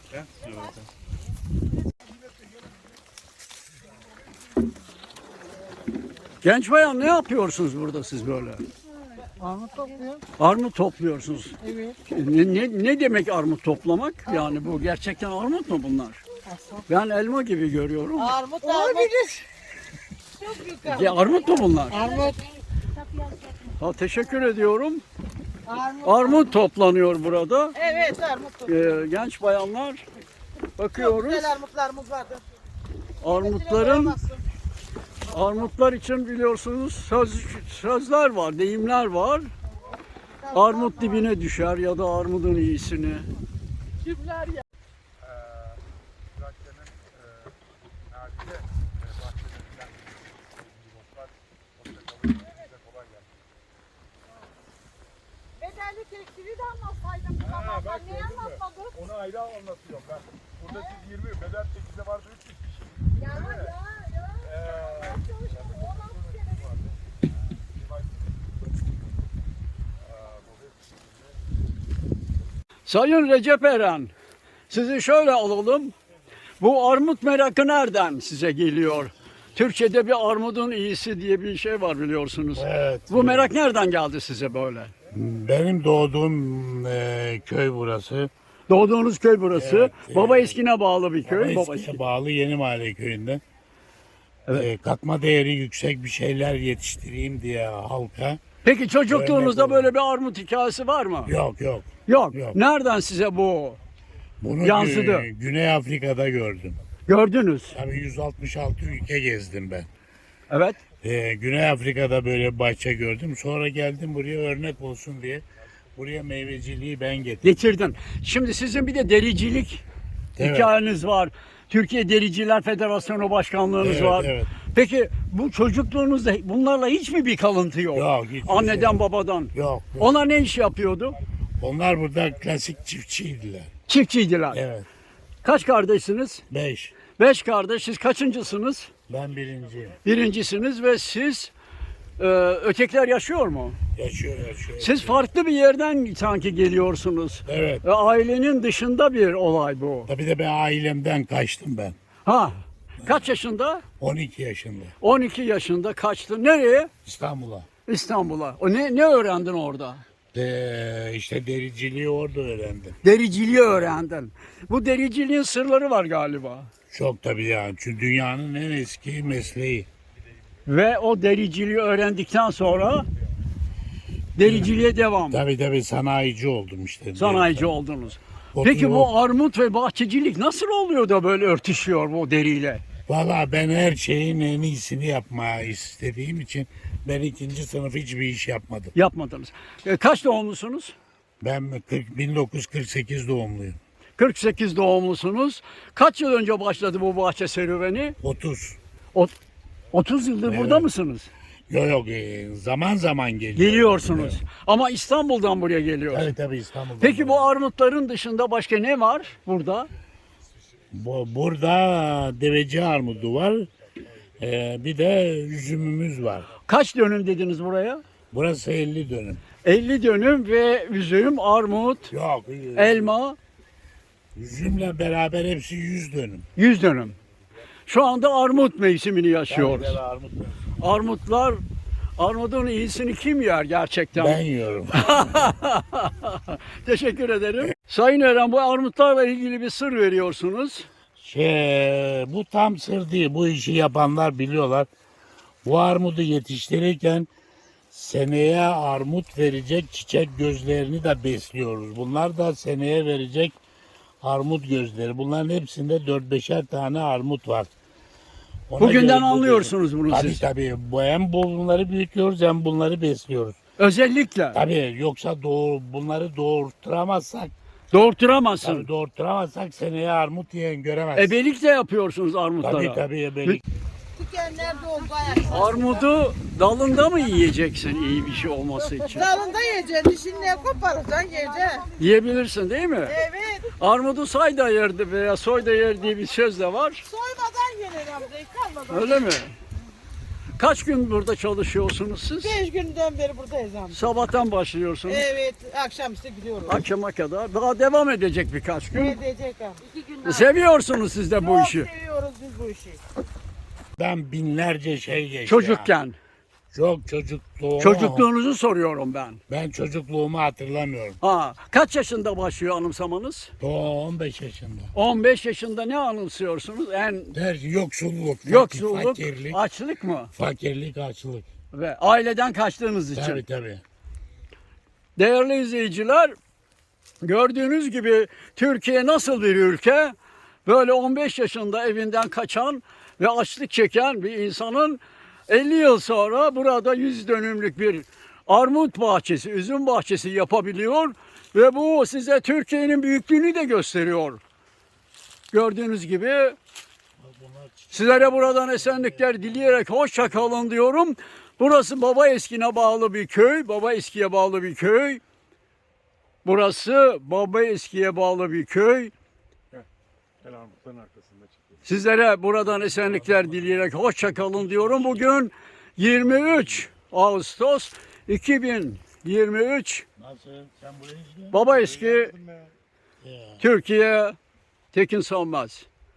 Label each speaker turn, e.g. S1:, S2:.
S1: Genç bayan ne yapıyorsunuz burada siz böyle?
S2: Armut topluyor.
S1: Armut topluyorsunuz.
S2: Evet.
S1: Ne demek armut toplamak? Yani bu gerçekten armut mu bunlar? Ben elma gibi görüyorum.
S2: Armut olabilir. Çok büyük
S1: Ya armut mu bunlar?
S2: armut.
S1: Ha, teşekkür ediyorum.
S2: Armut.
S1: Armut toplanıyor burada.
S2: Evet armut topluyor.
S1: Genç bayanlar
S2: Çok
S1: bakıyoruz.
S2: güzel armutlarımız vardı.
S1: Armutlar için biliyorsunuz sözler var, deyimler var. Armut dibine düşer ya da armudun iyisini.
S2: Kimler ya?
S3: Trakya'nın nadide bahçelerinden botlar size kolay gelsin.
S2: Bedelli tekstili de anlatsaydın.
S3: Ha, bak
S2: Niye
S3: gördün mü?
S2: anlatmadın?
S3: Onu ayrı anlatıyorum ben. Burada siz 20, bedel 8'de vardı 300 kişi.
S2: Ya.
S1: Sayın Recep Eren, sizi şöyle alalım. Bu armut merakı nereden size geliyor? Türkçe'de bir armudun iyisi diye bir şey var biliyorsunuz.
S4: Evet.
S1: Bu merak nereden geldi size böyle?
S4: Benim doğduğum köy burası.
S1: Doğduğunuz köy burası.
S4: Evet,
S1: Baba Eski'ne bağlı bir köy. Baba
S4: Eski'ye
S1: Eski.
S4: bağlı Yeni Mahalle köyünde.
S1: Evet.
S4: Katma değeri yüksek bir şeyler yetiştireyim diye halka.
S1: Peki çocukluğunuzda
S4: Örnek
S1: böyle bir armut hikayesi var mı?
S4: Yok yok.
S1: Yok.
S4: Yok.
S1: Nereden size bu
S4: Bunu
S1: yansıdı?
S4: Güney Afrika'da gördüm.
S1: Gördünüz?
S4: Tabii 166 ülke gezdim ben.
S1: Evet.
S4: Güney Afrika'da böyle bir bahçe gördüm. Sonra geldim buraya örnek olsun diye. Buraya meyveciliği ben getirdim.
S1: Getirdin. Şimdi sizin bir de dericilik
S4: Evet.
S1: hikayeniz var. Türkiye Dericiler Federasyonu Başkanlığınız
S4: Evet,
S1: var.
S4: evet.
S1: Peki bu çocukluğunuzda bunlarla hiç mi bir kalıntı yok?
S4: Yok, hiçbir
S1: Anneden
S4: şey.
S1: babadan.
S4: Yok. yok.
S1: Onlar ne iş yapıyordu?
S4: Onlar burada klasik çiftçiydiler.
S1: Çiftçiydiler.
S4: Evet.
S1: Kaç kardeşsiniz?
S4: 5.
S1: 5 kardeş. Siz kaçıncısınız?
S4: Ben birinci.
S1: Birincisiniz ve siz ötekiler yaşıyor mu?
S4: Yaşıyor.
S1: Siz farklı bir yerden sanki geliyorsunuz.
S4: Evet.
S1: Ailenin dışında bir olay bu.
S4: Tabii de ben ailemden kaçtım ben.
S1: Ha. Kaç yaşında?
S4: 12 yaşında.
S1: 12 yaşında kaçtı. Nereye?
S4: İstanbul'a.
S1: İstanbul'a. O ne öğrendin orada?
S4: İşte dericiliği orada öğrendim.
S1: Dericiliği öğrendin. Bu dericiliğin sırları var galiba.
S4: Çok tabii yani. Çünkü dünyanın en eski mesleği.
S1: Ve o dericiliği öğrendikten sonra dericiliğe devam.
S4: Tabii sanayici oldum işte.
S1: Sanayici oldunuz.
S4: O-
S1: Peki
S4: o-
S1: bu armut ve bahçecilik nasıl oluyor da böyle örtüşüyor bu deriyle?
S4: Valla ben her şeyin en iyisini yapmaya istediğim için ben 2. sınıf hiçbir iş yapmadım.
S1: Yapmadınız. Kaç doğumlusunuz?
S4: Ben 1948 doğumluyum.
S1: 48 doğumlusunuz. Kaç yıl önce başladı bu bahçe serüveni?
S4: 30.
S1: 30 yıldır
S4: Evet.
S1: burada mısınız?
S4: Yok zaman zaman geliyor.
S1: Geliyorsunuz.
S4: Evet.
S1: Ama İstanbul'dan buraya geliyorsunuz.
S4: Tabii İstanbul'da.
S1: Peki bu armutların dışında başka ne var burada?
S4: Burada deveci armudu var. Bir de üzümümüz var.
S1: Kaç dönüm dediniz buraya?
S4: Burası 50 dönüm.
S1: 50 dönüm ve üzüm, armut,
S4: Yok.
S1: elma
S4: Üzümle beraber hepsi 100 dönüm.
S1: 100 dönüm. Şu anda armut mevsimini yaşıyoruz.
S4: Tabii, armut.
S1: Armutlar, armudun iyisini kim yer gerçekten?
S4: Ben yiyorum.
S1: Teşekkür ederim. Sayın Eren, bu armutlarla ilgili bir sır veriyorsunuz.
S4: Bu tam sır değil. Bu işi yapanlar biliyorlar. Bu armudu yetiştirirken seneye armut verecek çiçek gözlerini de besliyoruz. Bunlar da seneye verecek armut gözleri. Bunların hepsinde 4-5'er tane armut var. Ona
S1: Bugünden
S4: göre bu-
S1: anlıyorsunuz bunu
S4: Tabii
S1: siz.
S4: tabii. Hem bunları büyütüyoruz hem bunları besliyoruz.
S1: Özellikle
S4: Tabii yoksa bunları doğurtturamazsak,
S1: doğurturamazsın.
S4: seneye armut yiyen göremezsin.
S1: Ebelik de yapıyorsunuz armutlara.
S4: Tabii ebelik.
S2: Dikenler doldu ayak.
S1: Armudu dalında mı yiyeceksin iyi bir şey olması için?
S2: Dalında yiyeceksin, dişinle koparacaksın yiyeceksin.
S1: Yiyebilirsin değil mi?
S2: Evet.
S1: Armudu say da yerdi veya soy da yer diye bir söz de var.
S2: Soymadan yenir amca, kalmadan.
S1: Öyle mi? Kaç gün burada çalışıyorsunuz siz?
S2: 5 günden beri buradayız amca.
S1: Sabahtan başlıyorsunuz.
S2: Evet, akşamüstü gidiyoruz.
S1: Akşama kadar. Daha devam edecek birkaç gün.
S2: Ne edecek amca? 2 gün daha.
S1: Seviyorsunuz siz de bu
S2: Çok
S1: işi.
S2: seviyoruz biz bu işi.
S4: Ben binlerce şey geçti.
S1: Çocukken.
S4: Çok çocukluğumu.
S1: Çocukluğunuzu soruyorum ben.
S4: Ben çocukluğumu hatırlamıyorum.
S1: Ha, kaç yaşında başlıyor anımsamanız?
S4: Doğu 15 yaşında.
S1: 15 yaşında ne anımsıyorsunuz? En
S4: Her şey yoksulluk,
S1: yoksulluk,
S4: fakirlik,
S1: açlık mı?
S4: fakirlik, açlık.
S1: Ve aileden kaçtığınız için.
S4: Tabii tabii.
S1: Değerli izleyiciler, gördüğünüz gibi Türkiye nasıl bir ülke? Böyle 15 yaşında evinden kaçan ve açlık çeken bir insanın 50 yıl sonra burada 100 dönümlük bir armut bahçesi, üzüm bahçesi yapabiliyor ve bu size Türkiye'nin büyüklüğünü de gösteriyor. Gördüğünüz gibi sizlere buradan esenlikler dileyerek hoşça kalın diyorum. Burası Baba Eski'ne bağlı bir köy. Baba Eski'ye bağlı bir köy. Burası Baba Eski'ye bağlı bir köy.
S3: El armutların arkasında çıkıyor.
S1: Sizlere buradan esenlikler dileyerek hoşça kalın diyorum. Bugün 23 Ağustos 2023.
S4: Nasıl? Sen buraya izle.
S1: Baba Eski,
S4: Ya.
S1: Türkiye, Tekin Sönmez.